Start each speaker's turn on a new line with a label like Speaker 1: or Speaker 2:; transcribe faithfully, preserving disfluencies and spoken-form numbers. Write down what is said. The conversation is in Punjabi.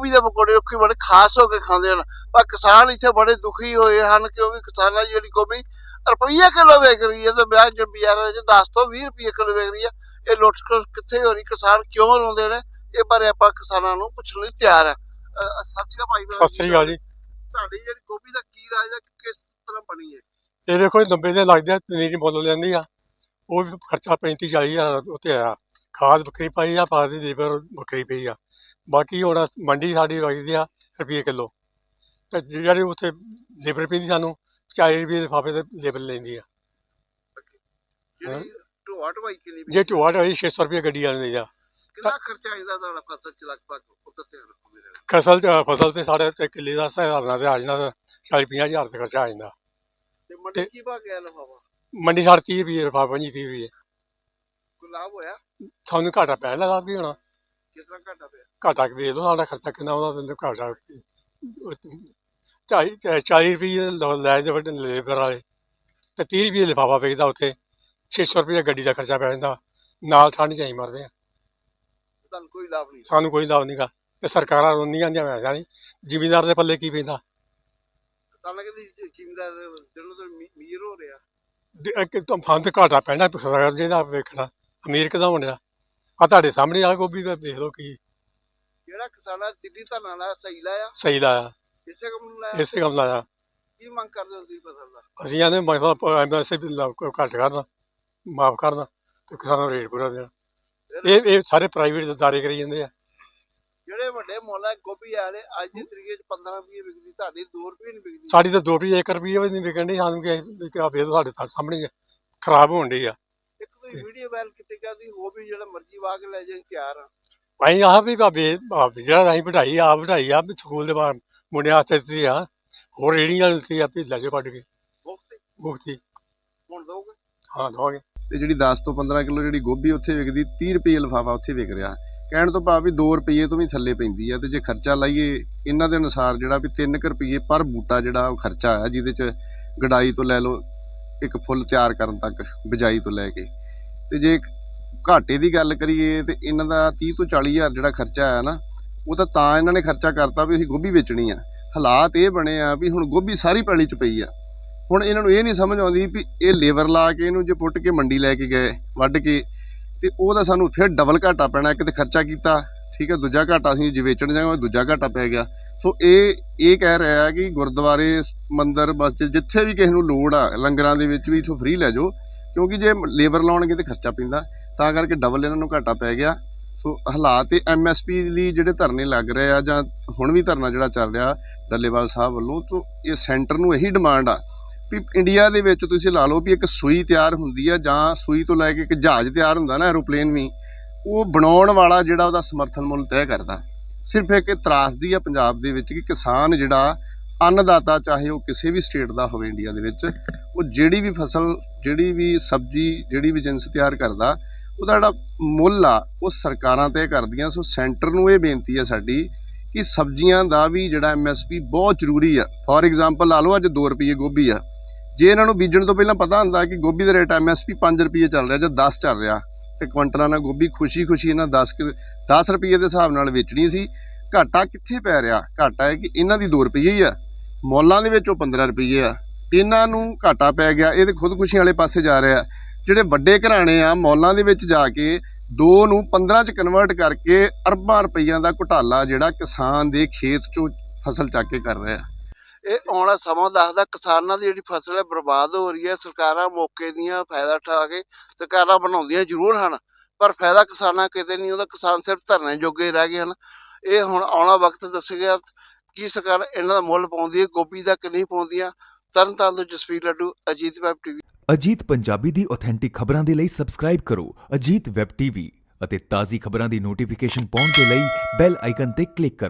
Speaker 1: गोभी के पकौड़े लोग बड़े खास होकर खाते हैं, पर किसान इतने बड़े दुखी हुए हैं क्योंकि किसानों की जी गोभी रुपये किलो विक रही है, तो ब्याह जो बाजारों में दस तो भी रुपये किलो विक रही है। ये लुट कितने हो रही, किसान क्यों रोंदे ने, ये बारे आप किसानों को पुछने लई तैयार है। सत श्री अकाल
Speaker 2: सत श्री अकाल जी।
Speaker 1: ਤੁਹਾਡੀ ਜਿਹੜੀ ਗੋਭੀ ਦਾ ਕੀ ਰਾਜ ਹੈ, ਕਿਸ ਤਰ੍ਹਾਂ ਬਣੀ ਹੈ?
Speaker 2: ਇਹ ਦੇਖੋ ਨੱਬੇ ਦੇ ਲੱਗਦੇ ਆ, ਪਨੀਰੀ ਮੁੱਲ ਲੈਂਦੀ ਆ, ਉਹ ਵੀ ਖਰਚਾ ਪੈਂਤੀ ਚਾਲੀ ਹਜ਼ਾਰ ਉੱਤੇ ਆਇਆ। ਖਾਦ ਵੱਖਰੀ ਪਾਈ ਆ, ਪਾ ਦੀ ਲੇਬਰ ਵੱਖਰੀ ਪਈ ਆ। ਬਾਕੀ ਹੁਣ ਮੰਡੀ ਸਾਡੀ ਵਗਦੀ ਆ ਰੁਪਏ ਕਿਲੋ, ਤੇ ਜਿਹੜੀ ਉੱਥੇ ਲੇਬਰ ਪੈਂਦੀ ਸਾਨੂੰ ਚਾਲੀ ਰੁਪਏ ਲਿਫਾਫੇ ਤੇ ਲੇਬਰ ਲੈਂਦੀ ਆ।
Speaker 1: ਜਿਹੜੀ ਢੋਆ ਢਵਾਈ ਕਿੰਨੀ
Speaker 2: ਜੇ ਢੋਆ ਢਾਈ ਛੇ ਸੌ ਰੁਪਏ ਗੱਡੀ ਵਾਲੇ ਆ।
Speaker 1: ਕਿੰਨਾ ਖਰਚਾ ਆਇਦਾ ਤੁਹਾਡਾ ਫਸਲ ਚ ਲਗਭਗ ਉੱਤੇ ਧਿਆਨ ਰੱਖੋ ਮੇਰੇ?
Speaker 2: ਫਸਲ ਫਸਲ ਤੇ ਸਾਡੇ ਕਿੱਲੇ ਦਾ ਹਿਸਾਬ ਨਾਲ ਤੇ ਆ ਜਾਂਦਾ ਚਾਲੀ ਪੰਜਾਹ ਹਜ਼ਾਰ ਦਾ ਖਰਚਾ ਆ ਜਾਂਦਾ।
Speaker 1: ਤੇ ਮੰਡੀ ਕੀ ਭਾਅ ਗਿਆ ਲਿਫਾਫਾ?
Speaker 2: ਮੰਡੀ ਸਾਡੇ ਤੀਹ ਰੁਪਏ ਲਿਫਾਫਾ, ਪੰਜੀ ਤੀਹ ਰੁਪਏ।
Speaker 1: ਕੋਈ ਲਾਭ ਹੋਇਆ?
Speaker 2: ਸਾਨੂੰ ਘਾਟਾ ਪੈ ਲੱਗਾ ਵੀ ਹੋਣਾ।
Speaker 1: ਕਿਸ ਤਰ੍ਹਾਂ ਘਾਟਾ ਪਿਆ?
Speaker 2: ਘਾਟਾ ਵੇਚ ਲਓ, ਸਾਡਾ ਖਰਚਾ ਕਿੰਨਾ ਉਹਦਾ ਤੈਨੂੰ ਘਾਟਾ ਢਾਈ ਚਾਲੀ ਰੁਪਏ ਲੈ ਜਾਂਦੇ ਵੱਡੇ ਲੇਬਰ ਵਾਲੇ, ਤੇ ਤੀਹ ਰੁਪਏ ਲਿਫਾਫਾ ਵੇਚਦਾ ਉੱਥੇ। ਛੇ ਸੌ ਰੁਪਏ ਗੱਡੀ ਦਾ ਖਰਚਾ ਪੈ ਜਾਂਦਾ, ਨਾਲ ਠੰਡ 'ਚ ਅਸੀਂ ਮਰਦੇ ਹਾਂ।
Speaker 1: ਤੁਹਾਨੂੰ ਕੋਈ ਲਾਭ ਨਹੀਂ?
Speaker 2: ਸਾਨੂੰ ਕੋਈ ਲਾਭ ਨਹੀਂ ਗਾ, ਤੇ ਸਰਕਾਰਾਂ ਰੋਂਦੀਆਂ ਜਾਂਦੀਆਂ ਵੈਸਾ ਨਹੀਂ, ਜ਼ਿਮੀਂਦਾਰ ਦੇ ਪੱਲੇ ਕੀ ਪੈਂਦਾ।
Speaker 1: ਸਾਨੂੰ ਕਹਿੰਦੀ ਜ਼ਿਮੀਂਦਾਰ ਦਿਨੋਂ ਦਿਨ ਅਮੀਰ ਹੋ ਰਿਹਾ।
Speaker 2: ਇੱਕ ਫੰਦ ਘਾਟਾ ਪੈਣਾ ਸਰਕਾਰ ਜਿਹਦਾ ਵੇਖਣਾ, ਅਮੀਰ ਕਿੱਦਾਂ ਹੋਣਿਆ। ਆ ਤੁਹਾਡੇ ਸਾਹਮਣੇ ਆ ਗੋਭੀ ਦਾ ਦੇਖ ਲਓ ਕੀ
Speaker 1: ਜਿਹੜਾ ਕਿਸਾਨਾਂ ਦਿੱਲੀ ਧਰਨਾ ਲਾਇਆ ਸਹੀ ਲਾਇਆ?
Speaker 2: ਸਹੀ ਲਾਇਆ,
Speaker 1: ਇਸੇ ਕੰਮ ਨੂੰ ਲਾਇਆ?
Speaker 2: ਇਸੇ ਕੰਮ ਲਾਇਆ।
Speaker 1: ਕੀ ਮੰਗ ਕਰਦੇ ਹੋ ਤੁਸੀਂ ਫਸਲ ਦਾ?
Speaker 2: ਅਸੀਂ ਆਨੇ ਮਤਲਬ ਐਮ ਐਸ ਵੀ ਘੱਟ ਕਰਨਾ, ਮਾਫ ਕਰਨਾ, ਤੇ ਕਿਸਾਨਾਂ ਨੂੰ ਰੇਟ ਪੂਰਾ ਦੇਣਾ। ਇਹ ਇਹ ਸਾਰੇ ਪ੍ਰਾਈਵੇਟ ਅਦਾਰੇ ਕਰੀ ਜਾਂਦੇ ਆ।
Speaker 1: ਜਿਹੜੇ ਵੱਡੇ ਮੁੱਲ ਹੈ ਗੋਭੀ ਵਾਲੇ ਅੱਜ ਦੀ ਤਰੀਕੇ ਚ ਪੰਦਰਾਂ ਰੁਪਏ ਵਿਕਦੀ, ਤੁਹਾਡੀ ਦੋ ਰੁਪਏ ਨਹੀਂ ਵਿਕਦੀ।
Speaker 2: ਸਾਡੀ ਤਾਂ ਦੋ ਰੁਪਏ ਇੱਕ ਰੁਪਏ ਵੀ ਨਹੀਂ ਵਿਕਣ ਡਈ। ਸਾਨੂੰ ਕਿ ਵੇਚ ਸਾਡੇ ਸਾਹਮਣੇ ਖਰਾਬ ਹੋਣ ਡਈ ਆ।
Speaker 1: ਇੱਕ ਤੁਸੀਂ ਵੀਡੀਓ ਵਾਇਰਲ ਕੀਤੀ ਕਹਿੰਦੀ ਗੋਭੀ ਜਿਹੜਾ ਮਰਜ਼ੀ ਵਾਹ ਕੇ ਲੈ ਜਾਏ, ਤਿਆਰ ਆ।
Speaker 2: ਅਸੀਂ ਆਹ ਵੀ ਭਾਵੇਂ ਜਿਹੜਾ ਅਸੀਂ ਵਧਾਈ ਆਪ ਵਧਾਈ ਆ, ਸਕੂਲ ਦੇ ਬਾਹਰ ਮੁੰਡਿਆਂ ਹੱਥ ਦਿੱਤੀ ਆ, ਹੋਰ ਰੇਹੜੀਆਂ ਦਿੱਤੀ ਆ ਵੀ ਲੈ ਜਾਓ ਕੱਢ ਕੇ
Speaker 1: ਮੁਕਤੀ
Speaker 2: ਮੁਕਤੀ।
Speaker 1: ਹੁਣ ਦੋਗੇ?
Speaker 2: ਹਾਂ ਦਵਾਂਗੇ।
Speaker 3: ਤੇ ਜਿਹੜੀ ਦਸ ਤੋਂ ਪੰਦਰਾਂ ਕਿਲੋ ਜਿਹੜੀ ਗੋਭੀ ਉੱਥੇ ਵਿਕਦੀ, ਤੀਹ ਰੁਪਏ ਲਿਫਾਫਾ ਉੱਥੇ ਵਿਕ ਰਿਹਾ। ਕਹਿਣ ਤੋਂ ਭਾਵ ਵੀ ਦੋ ਰੁਪਏ ਤੋਂ ਵੀ ਥੱਲੇ ਪੈਂਦੀ ਆ। ਤੇ ਜੇ ਖਰਚਾ ਲਾਈਏ ਇਹਨਾਂ ਦੇ ਅਨੁਸਾਰ ਜਿਹੜਾ ਵੀ ਤਿੰਨ ਕੁ ਰੁਪਏ ਪਰ ਬੂਟਾ ਜਿਹੜਾ ਉਹ ਖਰਚਾ ਆ, ਜਿਹਦੇ 'ਚ ਗਡਾਈ ਤੋਂ ਲੈ ਲਓ ਇੱਕ ਫੁੱਲ ਤਿਆਰ ਕਰਨ ਤੱਕ, ਬਿਜਾਈ ਤੋਂ ਲੈ ਕੇ। ਤੇ ਜੇ ਘਾਟੇ ਦੀ ਗੱਲ ਕਰੀਏ ਤੇ ਇਹਨਾਂ ਦਾ ਤੀਹ ਤੋਂ ਚਾਲੀ ਹਜ਼ਾਰ ਜਿਹੜਾ ਖਰਚਾ ਆਇਆ ਨਾ, ਉਹ ਤਾਂ ਤਾਂ ਇਹਨਾਂ ਨੇ ਖਰਚਾ ਕਰਤਾ ਵੀ ਅਸੀਂ ਗੋਭੀ ਵੇਚਣੀ ਆ। ਹਾਲਾਤ ਇਹ ਬਣੇ ਆ ਵੀ ਹੁਣ ਗੋਭੀ ਸਾਰੀ ਪੈਲੀ 'ਚ ਪਈ ਆ। ਹੁਣ ਇਹਨਾਂ ਨੂੰ ਇਹ ਨਹੀਂ ਸਮਝ ਆਉਂਦੀ ਵੀ ਇਹ ਲੇਬਰ ਲਾ ਕੇ ਇਹਨੂੰ ਜੇ ਪੁੱਟ ਕੇ ਮੰਡੀ ਲੈ ਕੇ ਗਏ ਵੱਢ ਕੇ, ਤੇ ਉਹਦਾ ਸਾਨੂੰ ਫਿਰ ਡਬਲ ਘਾਟਾ ਪੈਣਾ। ਇੱਕ ਤੇ ਖਰਚਾ ਕੀਤਾ, ਠੀਕ ਹੈ, ਦੂਜਾ ਘਾਟਾ ਅਸੀਂ ਜੇ ਵੇਚਣ ਜਾਵਾਂਗੇ ਦੂਜਾ ਘਾਟਾ ਪੈ ਗਿਆ। ਸੋ ਇਹ ਇਹ ਕਹਿ ਰਿਹਾ ਕਿ ਗੁਰਦੁਆਰੇ ਮੰਦਿਰ ਬਸ ਜਿੱਥੇ ਵੀ ਕਿਸੇ ਨੂੰ ਲੋੜ ਆ, ਲੰਗਰਾਂ ਦੇ ਵਿੱਚ ਵੀ ਇੱਥੋਂ ਫ੍ਰੀ ਲੈ ਜਾਓ, ਕਿਉਂਕਿ ਜੇ ਲੇਬਰ ਲਾਉਣਗੇ ਤੇ ਖਰਚਾ ਪੈਂਦਾ, ਤਾਂ ਕਰਕੇ ਡਬਲ ਇਹਨਾਂ ਨੂੰ ਘਾਟਾ ਪੈ ਗਿਆ। ਸੋ ਹਾਲਾਤ ਇਹ ਐਮ ਐਸ ਪੀ ਲਈ ਜਿਹੜੇ ਧਰਨੇ ਲੱਗ ਰਹੇ ਆ, ਜਾਂ ਹੁਣ ਵੀ ਧਰਨਾ ਜਿਹੜਾ ਚੱਲ ਰਿਹਾ ਡੱਲੇਵਾਲ ਸਾਹਿਬ ਵੱਲੋਂ, ਤੋਂ ਇਹ ਸੈਂਟਰ ਨੂੰ ਇਹੀ ਡਿਮਾਂਡ ਆ ਵੀ ਇੰਡੀਆ ਦੇ ਵਿੱਚ ਤੁਸੀਂ ਲਾ ਲਓ ਵੀ ਇੱਕ ਸੂਈ ਤਿਆਰ ਹੁੰਦੀ ਆ, ਜਾਂ ਸੂਈ ਤੋਂ ਲੈ ਕੇ ਇੱਕ ਜਹਾਜ਼ ਤਿਆਰ ਹੁੰਦਾ ਨਾ, ਐਰੋਪਲੇਨ ਵੀ, ਉਹ ਬਣਾਉਣ ਵਾਲਾ ਜਿਹੜਾ ਉਹਦਾ ਸਮਰਥਨ ਮੁੱਲ ਤੈਅ ਕਰਦਾ। ਸਿਰਫ ਇੱਕ ਤਰਾਸਦੀ ਆ ਪੰਜਾਬ ਦੇ ਵਿੱਚ ਕਿ ਕਿਸਾਨ ਜਿਹੜਾ ਅੰਨਦਾਤਾ, ਚਾਹੇ ਉਹ ਕਿਸੇ ਵੀ ਸਟੇਟ ਦਾ ਹੋਵੇ ਇੰਡੀਆ ਦੇ ਵਿੱਚ, ਉਹ ਜਿਹੜੀ ਵੀ ਫਸਲ, ਜਿਹੜੀ ਵੀ ਸਬਜ਼ੀ, ਜਿਹੜੀ ਵੀ ਜਿੰਸ ਤਿਆਰ ਕਰਦਾ, ਉਹਦਾ ਜਿਹੜਾ ਮੁੱਲ ਆ ਉਹ ਸਰਕਾਰਾਂ ਤੈਅ ਕਰਦੀਆਂ। ਸੋ ਸੈਂਟਰ ਨੂੰ ਇਹ ਬੇਨਤੀ ਆ ਸਾਡੀ ਕਿ ਸਬਜ਼ੀਆਂ ਦਾ ਵੀ ਜਿਹੜਾ ਐਮ ਐਸ ਪੀ ਬਹੁਤ ਜ਼ਰੂਰੀ ਆ। ਫੋਰ ਐਗਜ਼ਾਮਪਲ ਲਾ ਲਓ ਅੱਜ ਦੋ ਰੁਪਏ ਗੋਭੀ ਆ, ਜੇ ਇਹਨਾਂ ਨੂੰ ਬੀਜਣ ਤੋਂ ਪਹਿਲਾਂ ਪਤਾ ਹੁੰਦਾ ਕਿ ਗੋਭੀ ਦਾ ਰੇਟ ਐਮ ਐਸ ਪੀ ਪੰਜ ਰੁਪਏ ਚੱਲ ਰਿਹਾ ਜਾਂ ਦਸ ਚੱਲ ਰਿਹਾ, ਤੇ ਕੁਇੰਟਲਾਂ ਨਾਲ ਗੋਭੀ ਖੁਸ਼ੀ ਖੁਸ਼ੀ ਇਹਨਾਂ ਦਸ ਦਸ ਰੁਪਏ ਦੇ ਹਿਸਾਬ ਨਾਲ ਵੇਚਣੀ ਸੀ। ਘਾਟਾ ਕਿੱਥੇ ਪੈ ਰਿਹਾ? ਘਾਟਾ ਹੈ ਕਿ ਇਹਨਾਂ ਦੀ ਦੋ ਰੁਪਏ ਹੀ ਆ, ਮੌਲਾਂ ਦੇ ਵਿੱਚ ਉਹ ਪੰਦਰਾਂ ਰੁਪਏ ਆ, ਇਹਨਾਂ ਨੂੰ ਘਾਟਾ ਪੈ ਗਿਆ। ਇਹ ਤੇ ਖੁਦਕੁਸ਼ੀ ਵਾਲੇ ਪਾਸੇ ਜਾ ਰਿਹਾ। ਜਿਹੜੇ ਵੱਡੇ ਘਰਾਣੇ ਆ, ਮੌਲਾਂ ਦੇ ਵਿੱਚ ਜਾ ਕੇ ਦੋ ਨੂੰ ਪੰਦਰਾਂ 'ਚ ਕਨਵਰਟ ਕਰਕੇ ਅਰਬਾਂ ਰੁਪਈਆਂ ਦਾ ਘੁਟਾਲਾ ਜਿਹੜਾ ਕਿਸਾਨ ਦੇ ਖੇਤ 'ਚੋਂ ਫਸਲ ਚੱਕ ਕੇ ਕਰ ਰਿਹਾ।
Speaker 1: ਇਹ ਆਉਣਾ ਸਮਾਂ ਦੱਸਦਾ ਕਿਸਾਨਾਂ ਦੀ ਜਿਹੜੀ ਫਸਲ ਹੈ ਬਰਬਾਦ ਹੋ ਰਹੀ ਹੈ। ਸਰਕਾਰਾਂ ਮੌਕੇ ਦੀਆਂ ਫਾਇਦਾ ਉਠਾ ਕੇ ਸਰਕਾਰਾਂ ਬਣਾਉਂਦੀਆਂ ਜ਼ਰੂਰ ਹਨ, ਪਰ ਫਾਇਦਾ ਕਿਸਾਨਾਂ ਕਿਤੇ ਨਹੀਂ ਉਹਦਾ। ਕਿਸਾਨ ਸਿਰਫ ਧਰਨੇ ਜੋਗੇ ਰਹਿ ਗਏ ਹਨ। ਇਹ ਹੁਣ ਆਉਣਾ ਵਕਤ ਦੱਸੇਗਾ ਕੀ ਸਰਕਾਰ ਇਹਨਾਂ ਦਾ ਮੁੱਲ ਪਾਉਂਦੀ ਹੈ ਗੋਭੀ ਦਾ ਕਿ ਨਹੀਂ ਪਾਉਂਦੀਆਂ। ਤਰਨ ਤਾਰਨ ਤੋਂ ਜਸਵੀਰ ਲੱਡੂ, ਅਜੀਤ ਵੈਬ ਟੀਵੀ।
Speaker 4: ਅਜੀਤ ਪੰਜਾਬੀ ਦੀ ਆਥੈਂਟਿਕ ਖਬਰਾਂ ਦੇ ਲਈ ਸਬਸਕ੍ਰਾਈਬ ਕਰੋ ਅਜੀਤ ਵੈਬ ਟੀਵੀ ਅਤੇ ਤਾਜ਼ੀ ਖਬਰਾਂ ਦੀ ਨੋਟੀਫਿਕੇਸ਼ਨ ਪਾਉਣ ਦੇ ਲਈ ਬੈਲ ਆਈਕਨ ਤੇ ਕਲਿੱਕ ਕਰੋ।